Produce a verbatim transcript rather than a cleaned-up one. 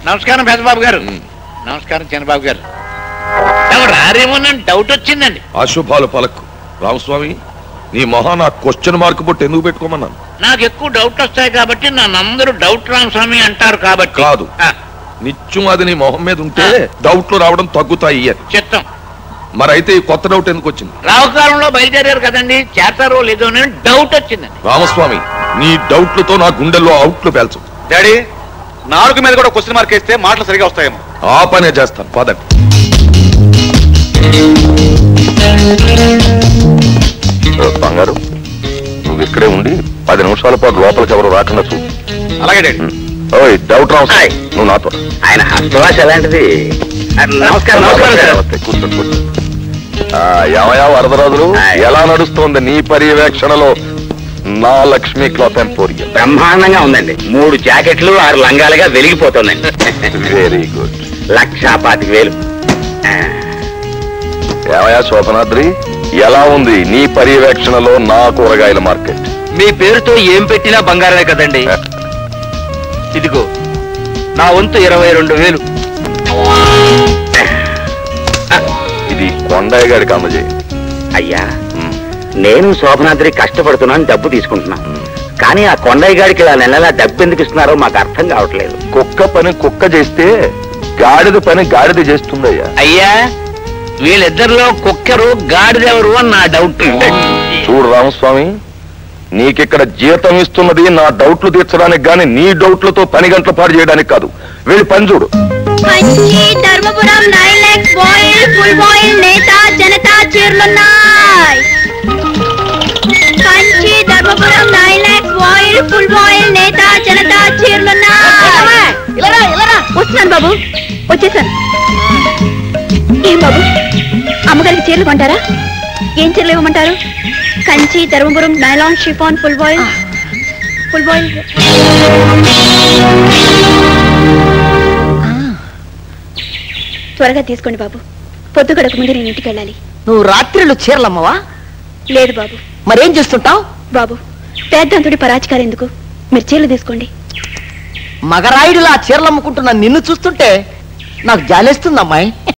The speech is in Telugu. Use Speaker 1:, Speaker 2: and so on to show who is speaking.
Speaker 1: నమస్కారం పెద్దబాబు గారు. నమస్కారం చిన్నబాబు గారు. రారేమోనని డౌట్ వచ్చిందండి.
Speaker 2: అశుభాలు పలకు రామస్వామి, నీ మొహా నా క్వశ్చన్ మార్క్ బట్టి ఎందుకు పెట్టుకోమన్నాను?
Speaker 1: నాకు ఎక్కువ డౌట్ వస్తాయి కాబట్టి నన్ను డౌట్ రామస్వామి అంటారు కాబట్టి.
Speaker 2: కాదు, నిత్యం అది నీ మొహం మీద ఉంటే డౌట్లు రావడం తగ్గుతాయి అని
Speaker 1: చిత్తం.
Speaker 2: మరైతే ఈ కొత్త డౌట్ ఎందుకు వచ్చింది?
Speaker 1: రావుకాలంలో బయలుదేరారు కదండి, చేస్తారో లేదో అని డౌట్ వచ్చిందండి.
Speaker 2: రామస్వామి, నీ డౌట్లతో నా గుండెల్లో అవుట్లు పేల్చు.
Speaker 3: డాడీ, నాలుగు మీద కూడా క్వశ్చన్ మార్క్ వేస్తే మాటలు సరిగా వస్తాయేమో.
Speaker 2: ఆ పనే చేస్తాను, పదండి. బంగారు, నువ్వు ఇక్కడే ఉండి పది నిమిషాల పాటు లోపలికి ఎవరు రాకుండా చూడు.
Speaker 3: అలాగే డాడీ.
Speaker 2: ఓయ్ డౌట్ రావు, నువ్వు నాతో.
Speaker 1: ఆయన హస్తవాస ఎలాంటిది? నమస్కారం.
Speaker 2: కూర్చోండి కూర్చోండి. ఏమయా వరదరాజులు, ఎలా నడుస్తోంది నీ పర్యవేక్షణలో నా లక్ష్మీ క్లాత్ ఎంపోరియం?
Speaker 1: బ్రహ్మాండంగా ఉందండి. మూడు జాకెట్లు ఆరు లంగాలుగా వెలిగిపోతుందండి.
Speaker 2: Very good.
Speaker 1: లక్షా పాతిక వేలు.
Speaker 2: ఏమయా శోభనాద్రి, ఎలా ఉంది నీ పర్యవేక్షణలో నా కూరగాయల మార్కెట్?
Speaker 3: మీ పేరుతో ఏం పెట్టినా బంగారమే కదండి. ఇదిగో నా వంతు ఇరవై రెండు వేలు.
Speaker 2: ఇది కొండయ్య గారికి అందజేయి.
Speaker 1: అయ్యా, నేను శోభనాద్రి కష్టపడుతున్నాను, డబ్బు తీసుకుంటున్నాను. కానీ ఆ కొండయ్య గారికి ఇలా నెలలా డబ్బు ఎందుకు ఇస్తున్నారో మాకు అర్థం కావట్లేదు.
Speaker 2: కుక్క పని కుక్క చేస్తే గాడిద పని గాడిద చేస్తుందయ్యా.
Speaker 1: అయ్యా, వీళ్ళిద్దరిలో కుక్కరు గాడిదెవరు అని నా డౌట్.
Speaker 2: చూడు రామస్వామి, నీకిక్కడ జీతం ఇస్తున్నది నా డౌట్లు తీర్చడానికి గాని నీ డౌట్లతో పని గంటల పాటు చేయడానికి కాదు. వెళ్ళి పని చూడు.
Speaker 4: Dharmapuram nine lakhs voile full voile నేతా జనతా చీరలున్నాయి. Kanchi Dharmapuram nine lakhs voile full voile నేతా జనతా చీరలున్నాయి. వస్తున్నాను బాబు, వచ్చేసాను. ఏం బాబు, అమ్మగారికి చీరలు కొంటారా? ఏం చీరలు ఇవ్వమంటారు? Kanchi Dharmapuram nylon chiffon full voile full voile. త్వరగా తీసుకోండి బాబు, పొద్దు గడక ముందు నేను ఇంటికి వెళ్ళాలి.
Speaker 5: నువ్వు రాత్రిళ్ళు చీరలమ్మవా?
Speaker 4: లేదు బాబు.
Speaker 5: మరేం చేస్తుంటావు?
Speaker 4: బాబు, పేద్దంతుడి పరాచికారు ఎందుకు, మీరు చీరలు తీసుకోండి.
Speaker 5: మగరాయుడులా చీరలు అమ్ముకుంటున్న నిన్ను చూస్తుంటే నాకు జాలేస్తుంది అమ్మాయి.